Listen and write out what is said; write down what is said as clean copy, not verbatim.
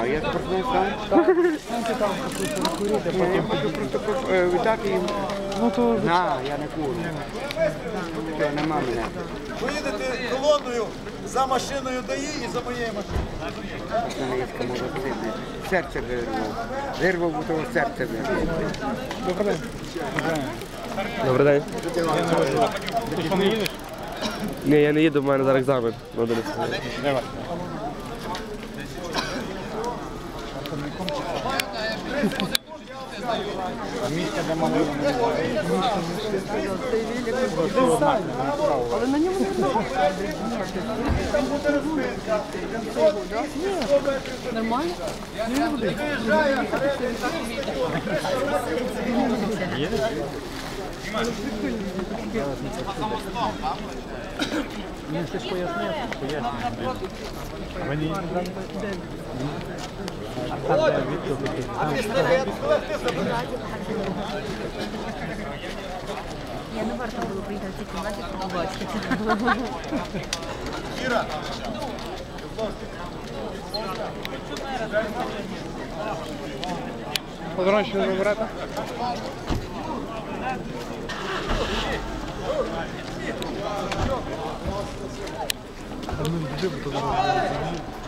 А я тепер не знаю. Я хочу просто віддати їм. Ну то... На, я не курю. Що, нема мене. Поїдете колоною за машиною ДАІ і за моєю машиною. Журналістка молодці. Серце вирвав. Вирвав, бо того серце вирвав. Добрий день. Добрий день. Ти що, не їдеш? Ні, я не їду, в мене зараз екзамен. Давай. Місце, де мали Але на ньому не нормально? Він щось пояснив. Мені Я не варто було приїхати в цій кімнаті, побачити. Іра, Подорожче не вибирати? Там не буде, бо